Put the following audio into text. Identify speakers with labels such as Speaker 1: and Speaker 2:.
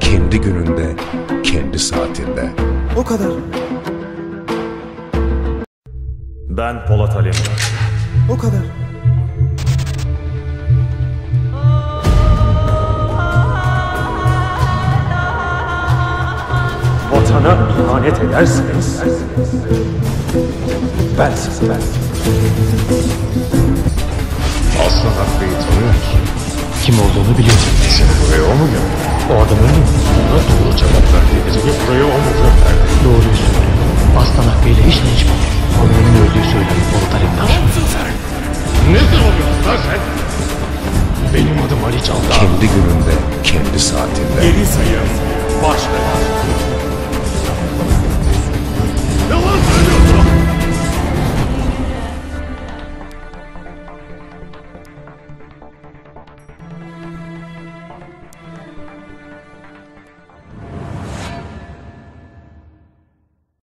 Speaker 1: kendi gününde, kendi saatinde.
Speaker 2: O kadar.
Speaker 3: Ben Polat Alemdar.
Speaker 2: O kadar.
Speaker 3: Vatana ihanet ederseniz ben sizi
Speaker 4: Aslan Hakkı'yı tanıyor musun?
Speaker 5: Kim olduğunu biliyorum.
Speaker 4: Seni buraya o mu gönderdü?
Speaker 5: O adam öldü mü?
Speaker 4: Ona doğru cevap verdi. Seni buraya o mu gönderdi?
Speaker 5: Doğruyu söylüyor. Aslan Hakkı ile hiç değişmedi. Onun öldüğü söyleniyor Polat Alemdar.
Speaker 4: Ne soruyorsun lan sen? Benim adım Ali Candar.
Speaker 1: Kendi gününde, kendi saatinde.
Speaker 3: Geri sayım başladı.